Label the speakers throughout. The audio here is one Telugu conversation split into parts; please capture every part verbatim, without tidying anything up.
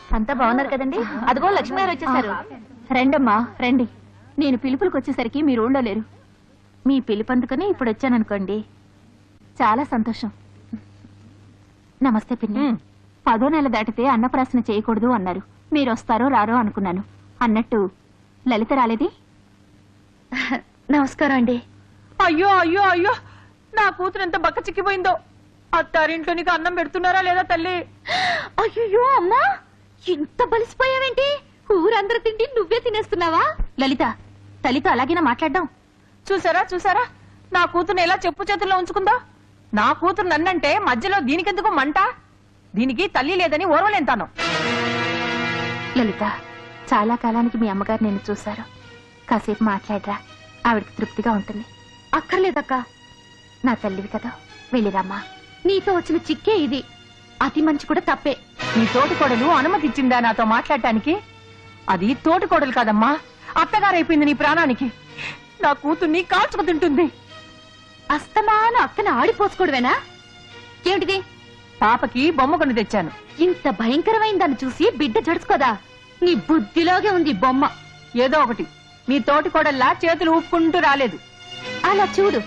Speaker 1: అంతా బాగున్నారు కదండి? అదిగో లక్ష్మి గారు వచ్చేసారు. రండమ్మా రండి. నేను పిలుపులకు వచ్చేసరికి మీరు ఊళ్ళో లేరు. మీ పిలుపు అందుకని ఇప్పుడు వచ్చాననుకోండి. చాలా సంతోషం. నమస్తే పిన్ని. పదో నెల దాటితే అన్నప్రాసన చేయకూడదు అన్నారు. మీరు వస్తారో రారో అనుకున్నాను. అన్నట్టు లలిత రాలేది? నమస్కారం అండి.
Speaker 2: అయ్యో అయ్యో అయ్యో, నా కూతురు ఎంత బక్క చిక్కిపోయిందో. అత్తారింట్లో నీకు అన్నం పెడుతున్నారా లేదా తల్లి?
Speaker 1: అయ్యో అమ్మా, ఇంత బలిసిపోయావేంటి? ఊరందరూ తిండి నువ్వే తినేస్తున్నావా? లలిత, తల్లితో అలాగేనా మాట్లాడడం?
Speaker 2: చూసారా చూసారా, నా కూతురు ఎలా చెప్పు చేతుల్లో ఉంచుకుందా. నా కూతురు నన్నంటే మధ్యలో దీనికెందుకు మంట? దీనికి తల్లి లేదని ఓర్వలేంతాను.
Speaker 1: లలిత, చాలా కాలానికి మీ అమ్మగారు నేను చూశారు. కాసేపు మాట్లాడరా, ఆవిడకి తృప్తిగా ఉంటుంది. అక్కర్లేదక్క, నా తల్లివి కదా, వెళ్ళిరమ్మా. నీతో వచ్చిన చిక్కే ఇది. అతి మంచి కూడా తప్పే.
Speaker 2: నీ తోటికోడలు అనుమతి ఇచ్చిందా నాతో మాట్లాడటానికి? అది తోటికోడలు కాదమ్మా, అత్తగారైపోయింది నీ ప్రాణానికి. నా కూతుర్ని కాల్చుకు తింటుంది.
Speaker 1: అస్తమాను అక్కన ఆడిపోసుకోవడమేనా? ఏమిటిది?
Speaker 2: పాపకి బొమ్మ కొని తెచ్చాను.
Speaker 1: ఇంత భయంకరమైన దాన్ని చూసి బిడ్డ జడుచుకోదా? నీ బుద్ధిలోగే ఉంది బొమ్మ.
Speaker 2: ఏదో ఒకటి, నీ తోటికోడల్లా చేతులు ఊపుకుంటూ రాలేదు.
Speaker 1: అలా చూడు.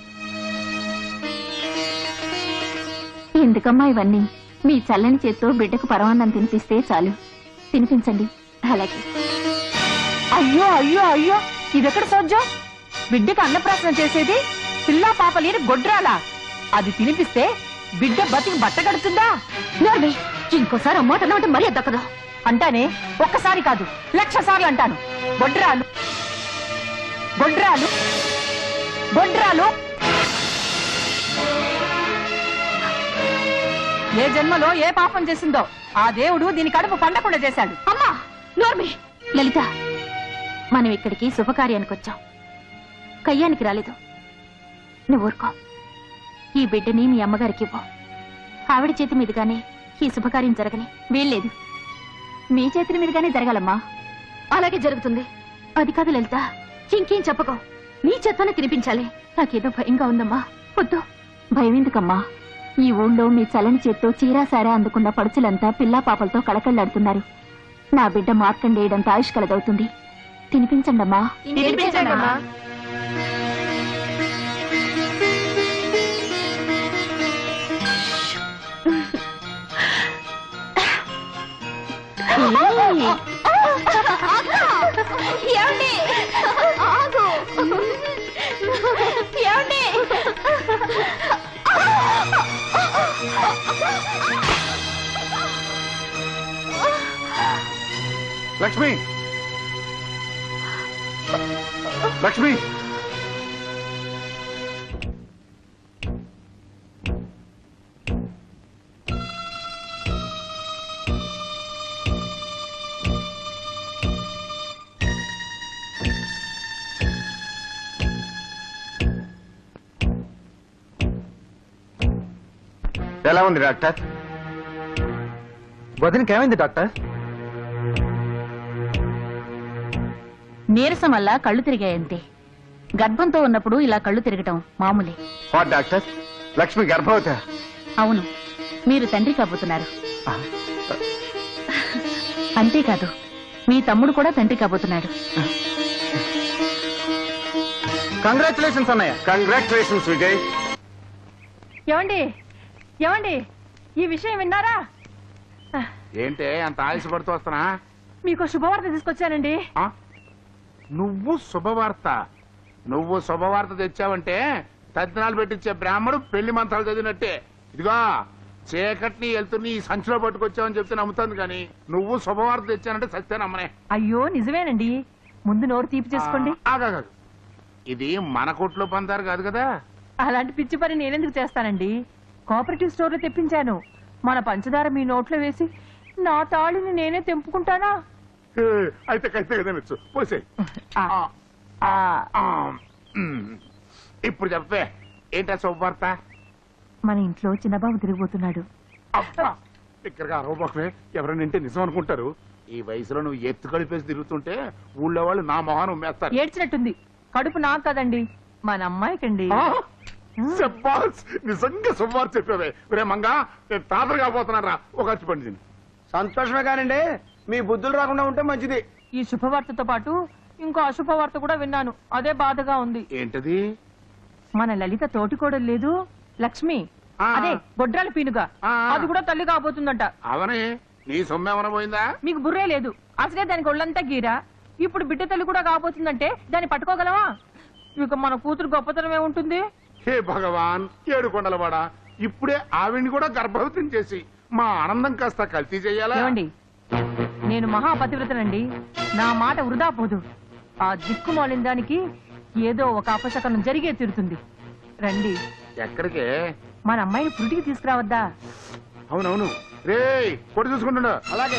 Speaker 1: ఎందుకమ్మా ఇవన్నీ? మీ చల్లని చేత్తో బిడ్డకు పరమాన్నం తినిపిస్తే చాలు. తినిపించండి. అలాగే.
Speaker 2: అయ్యో అయ్యో అయ్యో, ఇదెక్కడ సోజ్జం? బిడ్డకు అన్నప్రాసన చేసేది పిల్లా పాప లేని గొడ్రాలా? అది తినిపిస్తే బిడ్డ బతికి బట్ట కడుతుందా?
Speaker 1: ఇంకోసారి అమ్మాట మరీ దక్కదు.
Speaker 2: అంటానే, ఒక్కసారి కాదు లక్ష సార్లు అంటాను. గొడ్రాలు గొడ్రాలు గొడ్రాలు. ఏ జన్మలో ఏ పాపం చేసిందో ఆ దేవుడు దీని కడుపు పండకుండా చేశాడు.
Speaker 1: అమ్మా నోర్మి. లలిత, మనం ఇక్కడికి శుభకార్యానికి వచ్చాం, కయ్యానికి రాలేదు. నువ్వు ఊరుకో. ఈ బిడ్డని మీ అమ్మగారికి ఇవ్వు. ఆవిడ చేతి మీదుగానే ఈ శుభకార్యం జరగని వీల్లేదు. మీ చేతుల మీదుగానే జరగాలమ్మా. అలాగే జరుగుతుంది. అది కాదు లలిత, ఇంకేం చెప్పకో. నీ చేత్తోనే తినిపించాలి. నాకేదో భయంగా ఉందమ్మా. వద్దు. భయం ఎందుకమ్మా? ఈ ఊళ్ళో మీ చలని చేత్తో చీరాసారా అందుకున్న పడుచులంతా పిల్లా పాపలతో కళకళ్లాడుతున్నారు. నా బిడ్డ మార్కండేయడంత ఆయుష్ కలదవుతుంది. తినిపించండమ్మా.
Speaker 2: తినిపించండమ్మా.
Speaker 1: ఏమండి? ఆగు. ఏమండి?
Speaker 3: లక్ష్మి, లక్ష్మి, ఎలా ఉంది డాక్టర్?
Speaker 4: వదినకి ఏమైంది డాక్టర్?
Speaker 1: నీరసం వల్ల కళ్ళు తిరిగాయంతే. గర్భంతో ఉన్నప్పుడు ఇలా కళ్ళు తిరగటం మామూలే.
Speaker 3: వాట్ డాక్టర్, లక్ష్మి గర్భవతి?
Speaker 1: అవును, మీరు తండ్రి కాబోతున్నారు. అంతేకాదు, మీ తమ్ముడు కూడా తండ్రి కాబోతున్నాడు.
Speaker 4: కంగ్రాచులేషన్స్ అన్నయ్య.
Speaker 3: కంగ్రాచులేషన్స్ విజయ్.
Speaker 2: ఏమండి ఏమండి, ఈ విషయం విన్నారా?
Speaker 3: ఏంటే అంత ఆయుషపడుతూ వస్తున్నా?
Speaker 2: మీకు శుభవార్త తీసుకొచ్చానండి.
Speaker 3: నువ్వు శుభవార్త? నువ్వు శుభవార్త తెచ్చావంటే తద్దినాలు పెట్టించే బ్రాహ్మడు పెళ్లి మంత్రాలు చదివినట్టే. ఇదిగో చీకటిని వెళ్తుని ఈ సంచిలో పట్టుకొచ్చావని చెప్తే నమ్ముతుంది, కానీ నువ్వు శుభవార్త తెచ్చానంటే సత్తే నమ్మనే.
Speaker 2: అయ్యో నిజమేనండి. ముందు నోరు తీపి చేసుకోండి.
Speaker 3: ఆగాదు, ఇది మన కొట్లో పందారు కాదు కదా.
Speaker 2: అలాంటి పిచ్చి పని నేనెందుకు చేస్తానండి? కోఆపరేటివ్ స్టోర్ లో తెప్పించాను. మన పంచదార మీ నోట్లో వేసి నా తాళిని నేనే తెంపుకుంటానా?
Speaker 3: అయితే కైతే కదా పోసే. ఇప్పుడు చెప్పే, ఏంటా శుభవార్త?
Speaker 2: మన ఇంట్లో చిన్నబాబు తిరిగిపోతున్నాడు.
Speaker 3: ఇక్కడగా అరవబోకమే, ఎవరైనా వింటే నిజం అనుకుంటారు. ఈ వయసులో నువ్వు ఎత్తు కలిపేసి తిరుగుతుంటే ఊళ్ళో వాళ్ళు నా మొహాన్ని ఉమ్మేస్తారు.
Speaker 2: ఏడ్చినట్టుంది. కడుపు నాకు కదండి, మన అమ్మాయికండి.
Speaker 3: నిజంగా శుభవార్త చెప్పావే. రే మంగా, నేను తాతలు కాబోతున్నారా? ఒక ఖర్చు పండి
Speaker 5: సంతోషమే కానండి మీ బుద్ధులు రాకుండా ఉంటే మంచిది.
Speaker 2: ఈ శుభవార్తతో పాటు ఇంకో అశుభవార్త కూడా విన్నాను. అదే బాధగా ఉంది.
Speaker 3: ఏంటది?
Speaker 2: మన లలిత తోటికోడలు లేదు లక్ష్మి,
Speaker 3: ఆ.
Speaker 2: అదే గొడ్రాల పీనుగా,
Speaker 3: ఆ.
Speaker 2: అది కూడా తల్లి కాబోతుందంట.
Speaker 3: అవనే నీ సొమ్మేమన పోయిందా?
Speaker 2: మీకు బుర్రే లేదు. అసలే దానికి ఒళ్ళంతా గీరా, ఇప్పుడు బిడ్డ తల్లి కూడా కాబోతుందంటే దాన్ని పట్టుకోగలవా? ఇక మన కూతురు గొప్పతనమే ఉంటుంది.
Speaker 3: హే భగవాన్, ఏడు కొండలవాడా, ఇప్పుడే ఆవిడ్ని కూడా గర్భవతిని చేసి మా ఆనందం కాస్త కల్తీ చెయ్యాలా?
Speaker 2: ఏమండి, నేను మహాపతివ్రతనండి, నా మాట వృధా పోదు. ఆ దిక్కుమాలిన దానికి ఏదో ఒక అపశకనం జరిగే తీరుతుంది. రండి,
Speaker 3: ఎక్కడికే?
Speaker 2: మన అమ్మాయిని పురిటికి తీసుకురావద్దా?
Speaker 3: అవునవును, రే కొడు చూసుకుంటుండ.
Speaker 5: అలాగే.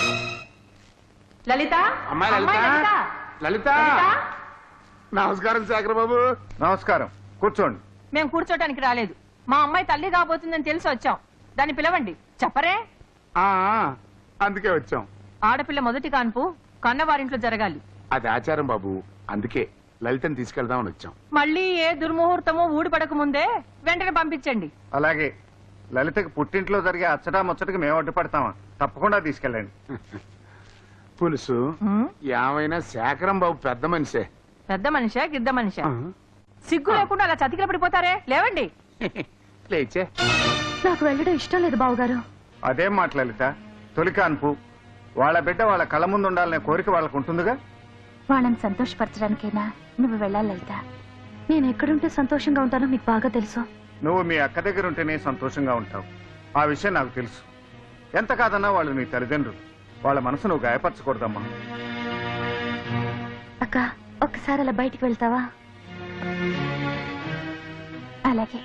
Speaker 2: లలిత,
Speaker 3: అమ్మాయి లలిత,
Speaker 2: అమ్మాయి లలిత,
Speaker 3: లలిత.
Speaker 2: లలిత.
Speaker 3: నమస్కారం శేఖర్ బాబు.
Speaker 4: నమస్కారం, కూర్చోండి.
Speaker 2: మేము కూర్చోటానికి రాలేదు. మా అమ్మాయి తల్లి కాబోతుందని తెలిసి వచ్చాం. దాన్ని పిలవండి. చెప్పరే?
Speaker 3: ఆ అందుకే వచ్చాం.
Speaker 2: ఆడపిల్ల మొదటి కాన్పు కన్నవారింట్లో జరగాలి.
Speaker 3: అది ఆచారం బాబు, అందుకే లలితని తీసుకెళ్దామని వచ్చాం.
Speaker 2: మళ్ళీ ఏ దుర్ముహూర్తమో ఊడిపడక ముందే వెంటనే పంపించండి.
Speaker 4: అలాగే. లలితకి పుట్టింట్లో జరిగే అచ్చటా ముచ్చటకి మేము అడ్డుపడతామా? తప్పకుండా తీసుకెళ్ళండి.
Speaker 3: పులుసు
Speaker 2: హ్మ్?
Speaker 3: ఏమైనా శేఖరం బాబు పెద్ద మనిషే.
Speaker 2: పెద్ద మనిషా గిద్ద మనిషా? సిగ్గు లేకుండా అలా చతికిల పడిపోతారే? లేవండి.
Speaker 3: లేచే.
Speaker 1: నాకు వెళ్ళడం ఇష్టం లేదు బావగారు.
Speaker 4: అదేం మాట లలిత, తొలి కాన్పు, వాళ్ళ బిడ్డ వాళ్ళ కళ్ళ ముందు ఉండాలనే కోరిక వాళ్ళకు ఉంటుందిగా.
Speaker 1: వాళ్ళని సంతోషపరచడానికైనా నువ్వు వెళ్ళాలి లలిత. నేను ఎక్కడుంటే సంతోషంగా ఉంటానో మీకు బాగా తెలుసు.
Speaker 4: నువ్వు మీ అక్క దగ్గర ఉంటేనే సంతోషంగా ఉంటావు. ఆ విషయం నాకు తెలుసు. ఎంత కాదన్నా వాళ్ళు నీ తల్లిదండ్రులు. వాళ్ళ మనసు నువ్వు గాయపరచకూడదమ్మా.
Speaker 1: అక్క, ఒక్కసారి అలా బయటికి వెళ్తావా? అలాగే.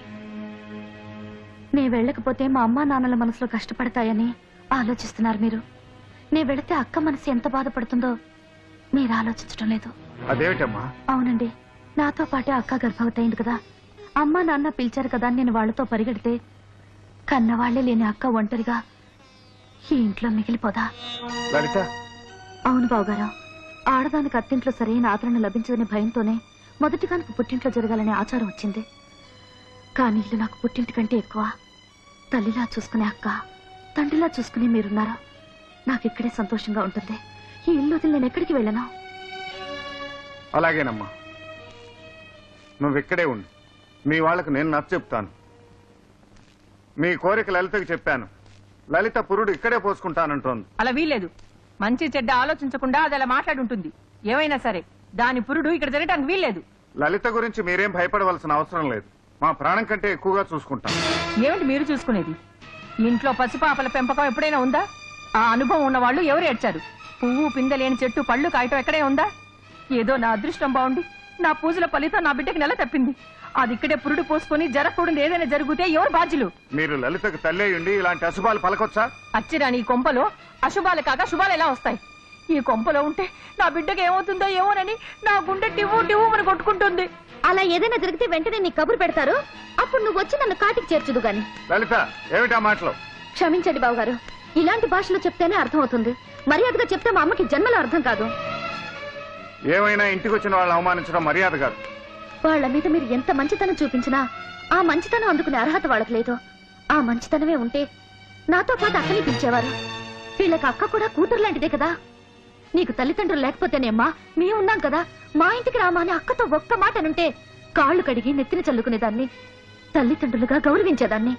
Speaker 1: నే వెళ్ళకపోతే మా అమ్మా నాన్నల మనసులో కష్టపడతాయని ఆలోచిస్తున్నారు మీరు. నే వెళితే అక్క మనసు ఎంత బాధపడుతుందో మీరు ఆలోచించడం లేదు.
Speaker 4: అదేమిటమ్మా?
Speaker 1: అవునండి, నాతో పాటే అక్క గర్భవతి అయింది కదా. అమ్మా నాన్న పిలిచారు కదా అని నేను వాళ్లతో పరిగెడితే కన్నవాళ్లే లేని అక్క ఒంటరిగా ఈ ఇంట్లో మిగిలిపోదా?
Speaker 4: లలిత,
Speaker 1: అవును బావగారు, ఆడదానికి అత్తింట్లో సరైన ఆదరణ లభించదనే భయంతోనే మొదటి కానుక పుట్టింట్లో జరగాలనే ఆచారం వచ్చింది. కానీ ఇల్లు నాకు పుట్టింటి కంటే ఎక్కువ. తల్లిలా చూసుకునే అక్క, తండ్రిలా చూసుకునే మీరున్నారా? నాకు ఇక్కడే సంతోషంగా ఉంటుంది. ఈ ఇల్లు వదిలి నేను ఎక్కడికి వెళ్ళను.
Speaker 4: అలాగేనమ్మా, నువ్వు ఇక్కడే ఉండు. మీ వాళ్లకు నేను నచ్చ చెప్తాను. మీ కోరిక లలితకు చెప్పాను. లలిత పురుడు ఇక్కడే పోసుకుంటానంటోంది.
Speaker 2: అలా వీల్లేదు. మంచి చెడ్డ ఆలోచించకుండా అది అలా మాట్లాడుంటుంది. ఏమైనా సరే దాని పురుడు ఇక్కడ జరగటానికి వీల్లేదు.
Speaker 4: లలిత గురించి మీరేం భయపడవలసిన అవసరం లేదు. మా ప్రాణం కంటే ఎక్కువగా చూసుకుంటాం.
Speaker 2: ఏమిటి మీరు చూసుకునేది? ఇంట్లో పసిపాపల పెంపకం ఎప్పుడైనా ఉందా? ఆ అనుభవం ఉన్న వాళ్ళు ఎవరు ఏడ్చారు? పువ్వు పిందలేని చెట్టు పళ్ళు కాయటం ఎక్కడే ఉందా? ఏదో నా అదృష్టం బాగుండి నా పూజల ఫలితం నా బిడ్డకి నెల తప్పింది. అది ఇక్కడే పురుడు పోసుకొని జరగకూడదు ఏదైనా జరిగితే ఎవరు బాధ్యులు?
Speaker 4: మీరు లలితకు తల్లే ఉండి ఇలాంటి అశుభాలు పలకొచ్చా?
Speaker 2: అచ్చిరాని ఈ కొంపలో అశుభాలు కాక శుభాలు ఎలా వస్తాయి? ఈ కొంపలో ఉంటే నా బిడ్డకి ఏమవుతుందో ఏమోనని నా గుండె టివ్వు టివ్వు అని కొట్టుకుంటుంది.
Speaker 1: అలా ఏదైనా జరిగితే వెంటనే నీ కబురు పెడతారు. అప్పుడు నువ్వు వచ్చి నన్ను కాటికి చేర్చుదు గాని.
Speaker 4: లలిత, ఏమిటా మాటలు?
Speaker 1: క్షమించండి బావగారు, ఇలాంటి భాషలో చెప్తేనే అర్థం అవుతుంది. మర్యాదగా చెప్తే మా అమ్మకి జన్మలో అర్థం కాదు.
Speaker 4: ఏమైనా ఇంటికి వచ్చిన వాళ్ళు అవమానించడం మర్యాద కాదు.
Speaker 1: వాళ్ళ మీద మీరు ఎంత మంచితనం చూపించినా ఆ మంచితనం అందుకునే అర్హత వాళ్ళకి లేదు. ఆ మంచితనమే ఉంటే నాతో పాటు అక్కని పిలిచేవారు. వీళ్ళకి అక్క కూడా కూతురు లాంటిదే కదా. నీకు తల్లిదండ్రులు లేకపోతేనేమ్మా మేము ఉన్నాం కదా. మా ఇంటికి రామా అని అక్కతో ఒక్క మాట అనుంటే కాళ్ళు కడిగి నెత్తిన చల్లుకునేదాన్ని, తల్లిదండ్రులుగా గౌరవించేదాన్ని.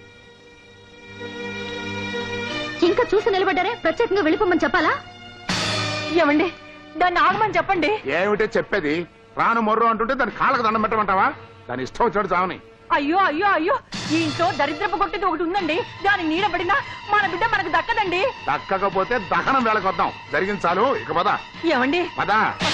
Speaker 1: ఇంకా చూసి నిలబడ్డారే, ప్రత్యేకంగా వెళ్ళిపోమని చెప్పాలా?
Speaker 2: ఏమండి, దాన్ని ఆగమని చెప్పండి.
Speaker 3: ఏమిటే చెప్పేది? రాను మొర్రు అంటుంటే దాని కాళ్ళకు దండం పెట్టమంటావా? దాని ఇష్టం వచ్చాడు చావని.
Speaker 2: అయ్యో అయ్యో అయ్యో, ఈ ఇంట్లో దరిద్రపు కొట్టేది ఒకటి ఉందండి. దాని నీడబడినా మన బిడ్డ మనకు దక్కదండి.
Speaker 3: దక్కకపోతే దహనం వేళకొద్దాం. జరిగింది చాలు, ఇక పద
Speaker 2: ఏమండి,
Speaker 3: పద.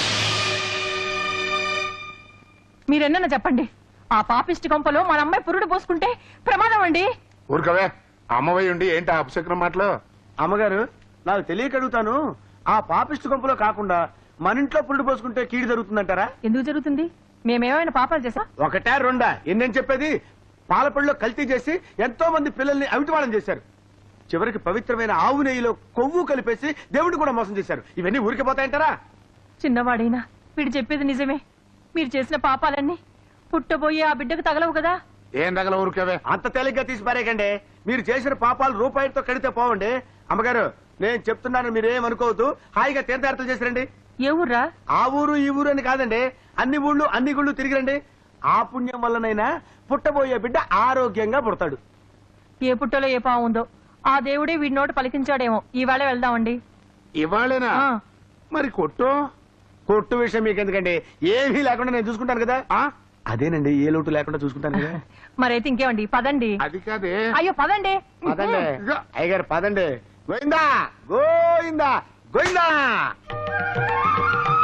Speaker 2: మీరెన్న చెప్పండి. ఆ పాపిష్టి కొంపలో మన అమ్మాయి పురుడు పోసుకుంటే ప్రమాదం అండి.
Speaker 3: ఊరుకవే, అమ్మవై ఉండి ఏంటి ఆ అపశకునం మాటలు?
Speaker 5: అమ్మగారు, నాకు తెలియక అడుగుతాను. ఆ పాపిష్టి కొంపలో కాకుండా మన ఇంట్లో పురుడు పోసుకుంటే కీడు జరుగుతుందంటారా?
Speaker 2: ఎందుకు జరుగుతుంది? మేమేమైనా పాపాలు చేసా?
Speaker 5: ఒకటే రెండా? ఎన్నేం చెప్పేది? పాలపళ్ళలో కల్తీ చేసి ఎంతో మంది పిల్లల్ని అవిటివాళం చేశారు. చివరికి పవిత్రమైన ఆవు నెయ్యిలో కొవ్వు కలిపేసి దేవుడు కూడా మోసం చేశారు. ఇవన్నీ ఊరికి పోతాయంటారా?
Speaker 2: చిన్నవాడైనా వీడు చెప్పేది నిజమే. మీరు చేసిన పాపాలన్నీ పుట్టబోయే ఆ బిడ్డకు తగలవు కదా.
Speaker 3: ఏం తగల ఊరుకవే.
Speaker 5: అంత తేలిగ్గా తీసి పారేకండి. మీరు చేసిన పాపాలు రూపాయితో కడితే పోవండి. అమ్మగారు, నేను చెప్తున్నాను మీరేమనుకోవద్దు. హాయిగా తీర్థయాత్రలు చేసిరండి.
Speaker 2: ఏ ఊర్రా?
Speaker 5: ఆ ఊరు ఈ ఊరు అని కాదండి, అన్ని ఊళ్ళు అన్ని గుళ్ళు తిరిగిరండి. ఆ పుణ్యం వల్లనైనా పుట్టబోయే బిడ్డ ఆరోగ్యంగా పుడతాడు.
Speaker 2: ఏ పుట్టలో ఏ పావు ఉందో ఆ దేవుడే వీడి నోట పలికించాడేమో. ఈవేళ వెళ్దామండి.
Speaker 3: ఇవాళేనా?
Speaker 2: ఆ.
Speaker 3: మరి కొట్టు
Speaker 5: కొట్టు విషయం మీకు ఎందుకండి, ఏమీ లేకుండా నేను చూసుకుంటాను కదా.
Speaker 3: ఆ?
Speaker 5: అదేనండి, ఏ లోటు లేకుండా చూసుకుంటాను కదా.
Speaker 2: మరైతే ఇంకేమండి, పదండి.
Speaker 3: అది కాదే.
Speaker 2: అయ్యో పదండి.
Speaker 5: పదండి
Speaker 3: ఇదిగో.
Speaker 5: అయ్యగారు, పదండి. గోయిందా గోయిందా గోయిందా.